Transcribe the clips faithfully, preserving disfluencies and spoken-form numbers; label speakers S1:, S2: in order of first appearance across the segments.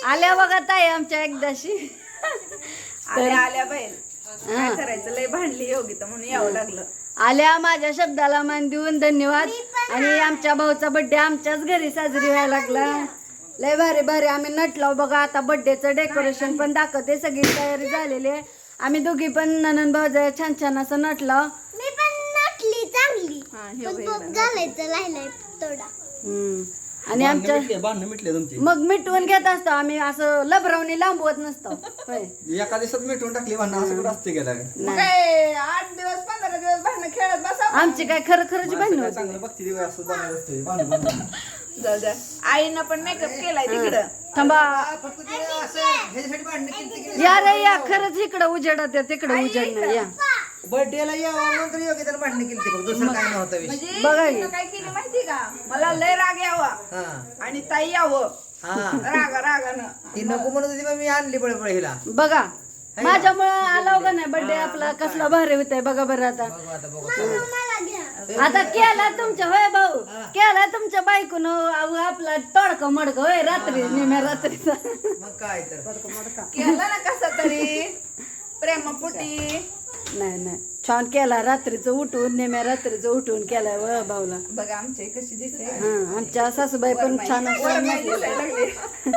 S1: आल्या बघा ताई आमच्या एकदाशी
S2: आल्या आल्या बाई काय करायचं लय भांडली योगिता म्हणून यावं लागलं.
S1: आल्या माझ्या शब्दाला मान देऊन धन्यवाद. आणि आमच्या भाऊचा बर्थडे आमच्याच घरी साजरी व्हायला लागला. लय भारी भारी आम्ही नटलो बघा. आता बर्थडेचं डेकोरेशन पण दाखवते. सगळी तयारी झालेली आहे. आम्ही दोघी पण ननंद भाऊ छान छान असं नटलो.
S3: मी पण नटली चांगली.
S2: हा, हे
S3: पण
S2: बाई
S3: बघ घालायचं राहिलंय थोडा.
S1: हम्म. आणि आमच्या
S4: बांधणं मिटले तुमची
S1: मग मिटवून घेत असतो आम्ही. असं लबरावणी लांबवत नसतो होय.
S4: एका दिवसात मिटवून टाकली भांडणं असं कुठं असते गेला
S2: मग काय आठ दिवस पंधरा दिवस भांडणं खेळत बसा.
S1: आमची काय खरं खरंच भांडण होती.
S4: चांगलं बघते दिवस असं बनायचं असते भांडण भांडण
S2: जाऊ द्या. आईनं पण मेकअप केलाय तिकडं.
S1: थांबा
S4: फक्त ते असं ह्याच्यासाठी भांडणं केली
S1: या रे या. खरंच इकडं उजेडात तिकडं उजेड नाही या.
S4: बर्थडेला यावं म्हणून योग्य त्याला भांडणं केली बघ दुसरं काय नव्हतं विषय.
S2: म्हणजे
S1: बघा
S2: तिनं काय केली माहिती का मला लय राग यावा
S4: हा
S2: आणि ताई यावं
S4: हा
S2: रागा रागानं.
S4: ती नको म्हणत होती मग मी आणली पळे पळे हिला.
S1: बघा माझ्यामुळं आला का नाही बर्थडे आपला कसला भारी होत आहे बघा बरं. आता
S4: बघू आता बघू
S3: मला घ्या.
S1: आता केला तुमच्या होय भाऊ केला तुमच्या बायकून आपला तडका मडक होय रात्री निम्या रात्रीचा.
S4: मग काय तर
S2: केलं ना कसं तरी प्रेमापुटी.
S1: नाही नाही छान केला. रात्रीचं उठून नेम्या रात्रीचं उठून केलाय व भाऊला.
S2: बघा आमची कशी दिसते.
S1: हा आमच्या सासूबाई पण छान
S2: वर
S1: असं
S2: बाई दिसायला लागली.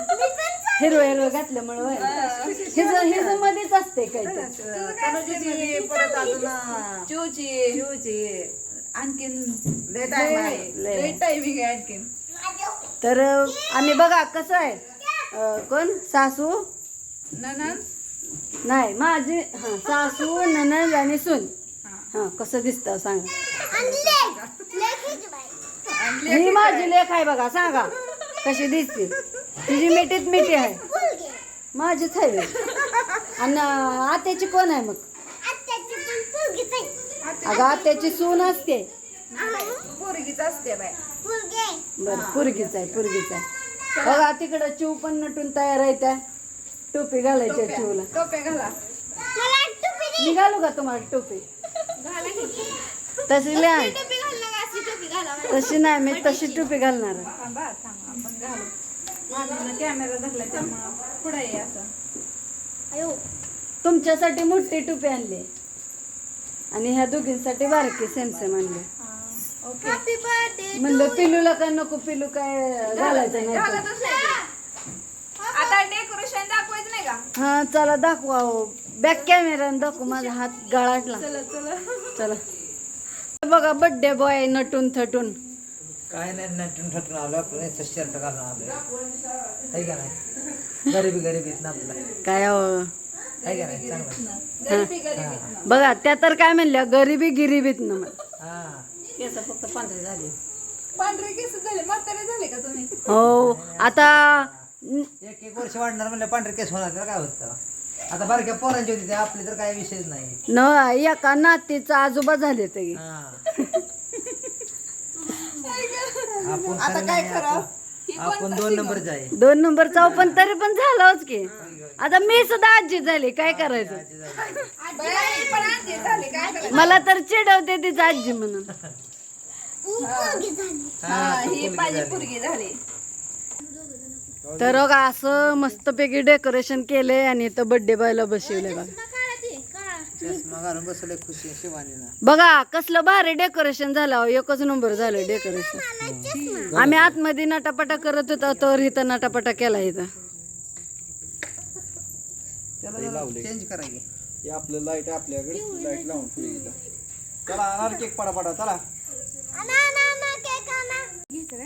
S1: हिरवं हिरवं घातल्यामुळे होय. हिज हिज मध्येच असते काय ते.
S4: तनुजीची परत अजून
S2: चिवची
S4: शिवची
S2: आणखीन लय टाइम आहे.
S1: लय.
S2: लय टायमिंग आहे आणखीन.
S1: तर आम्ही बघा कसं आहे अं, कोण सासू
S2: ननंद
S1: नाही माझी हा सासू ननंद आणि सून. हा कसं दिसतं सांगा.
S3: आणि लेक. लेक हिची बाई.
S2: आणि
S1: ही माझी लेख आहे बघा सांगा कशी दिसते. तिची मिठीत मिठी आहे
S3: फुलगे.
S1: माझीच आहे. आणि आत्याची कोण आहे मग.
S3: आत्याची पण फुलगीच आहे.
S1: अगं आत्याची सून असते.
S2: पोरगीच असते बाय.
S3: फुलगे.
S1: बरं पुरगीच आहे पुरगीच आहे. बघा तिकडं चिव पण नटून तयार आहे. त्या टोपी घालायच्या चिवला.
S2: टोपे घाला.
S3: मला टोपी दे.
S1: मी घालू का तुम्हाला टोपी.
S2: घाला की.
S1: तशी नाही
S3: टोपी घाल ना अशी टोपी घाला.
S1: तशी नाही मी तशी टोपी घालणार आहे.
S2: थांबा थांबा आपण घालू. माझा कॅमेरा धरला त्यामुळं पुढे ये असं.
S3: अयो.
S1: तुमच्यासाठी मोठी टोपी आणली आणि ह्या दोघींसाठी बारकी सेम सेम आणली.
S2: ओके.
S3: Happy birthday.
S1: म्हणलं पिलूला काय नको पिलू काय घालायचं नाही तर.
S2: घालतच नाही ते. आता डेकोरेशन दाखवायचं नाही का.
S1: हा चला दाखवा हो. बॅक कॅमेराने दाखवू. माझा हात गळाटला.
S2: चला चला.
S1: चला बघा बर्थडे बॉय नटून थटून.
S4: काय नाही नटून ठटून आलो आपण शर्ट घालून आलो आहे का नाही. गरीबी गरीबीत ना आपला
S1: काय हो.
S4: आहे का नाही चांगलं.
S2: गरीबी गरीबी.
S1: बघा त्या तर काय म्हणल्या गरिबी गिरिबीत न
S4: हा
S1: केस फक्त पांढरे झाले.
S2: पांढरे केस झाले म्हातारे झाले का तुम्ही.
S1: हो आता
S4: एक एक वर्ष वाढणार म्हणलं पांढरे केस होणार तर काय होतं. आता बारक्या पोरांची होती ते आपली तर काय विषयच नाही.
S1: न एका नातीचा आजोबा झाले ते.
S4: हा. आपण
S2: आता
S4: खरं
S2: काय
S4: नाही,
S2: करावं.
S4: आपण- आपण दोन नंबरच आहे.
S1: दोन नंबरचा पण तरी पण झालाच की. आता मी सुद्धा आजी झाली काय करायचं.
S2: बाई, पण आजी झाले काय करायचं.
S1: मला तर चिडवते तिचं आजी म्हणून.
S3: फुलगी झाली.
S2: हा, ही माझी पोरगी झाली.
S1: तर बघा असं मस्तपैकी डेकोरेशन केले आणि इथं बर्थडे बॉयला बसवले बघा.
S3: काळा ते काळा.
S4: चष्मा घालून बसले खुशी शिवानीला.
S1: बघा कसलं भारी डेकोरेशन झालं. एकच नंबर झालं डेकोरेशन. आम्ही आतमध्ये नटापटा करत होतो तर इथं नटापटा केला इथं.
S4: चेंज करायचे.
S5: हे आपलं लाईट आपल्याकडे लाईट लावून पुढे गेला. चला आणा केक पडा पडा चला.
S3: ना ना ना केक आणा.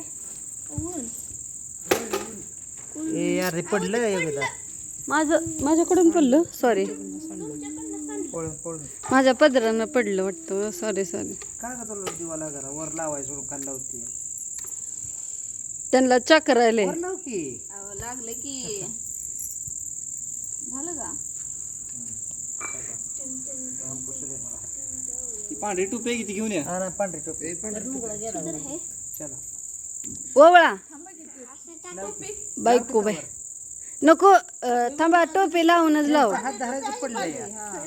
S4: ए यार हे पडलं का योगिता.
S1: माझं माझ्याकडून पडलं सॉरी.
S4: पळून पळून
S1: माझ्या पदरानं पडलं वाटतं. Sorry sorry.
S4: काय का तुला दिवाला करा वर लावायचं सोडून खाल्ला होती.
S1: त्यांना चक्कर आले.
S4: वर लाव की.
S2: अहो, लागले की झालं का.
S5: ती पांढरी टोपी किती घेऊन या.
S4: हा ना पांढरी टोपी. चला
S1: ओवळा
S2: टोपी.
S1: बायको बाय नको अं, थांबा टोपी लावूनच लाव.
S4: हात धरायचं पडलं या.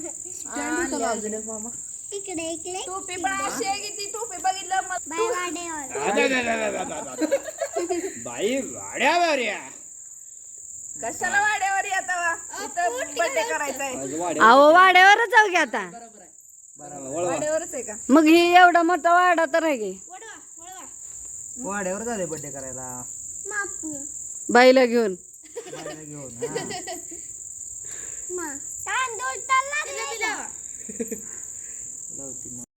S3: इकडे इकडे.
S2: टोपी पण अशी आहे की ती टोपी बघितलं मग
S3: बाय वाडेवर.
S5: बाई वाड्या वाड्या
S2: कशाला वाड्यावर येता वा इथं बर्थडे करायचा आहे
S5: आज वाड्या
S1: अहो वाड्यावरच जाऊ की आता
S5: वळवा
S2: वाड्यावरच आहे का
S1: मग ही एवढा मोठा वाडा तर आहे की
S4: वाड्यावर झाले बर्थडे करायला
S3: मापू
S1: बाईला घेऊन
S4: बाहेर घेऊन हा.
S3: मा तांदूळ तर लागले
S5: लावती मग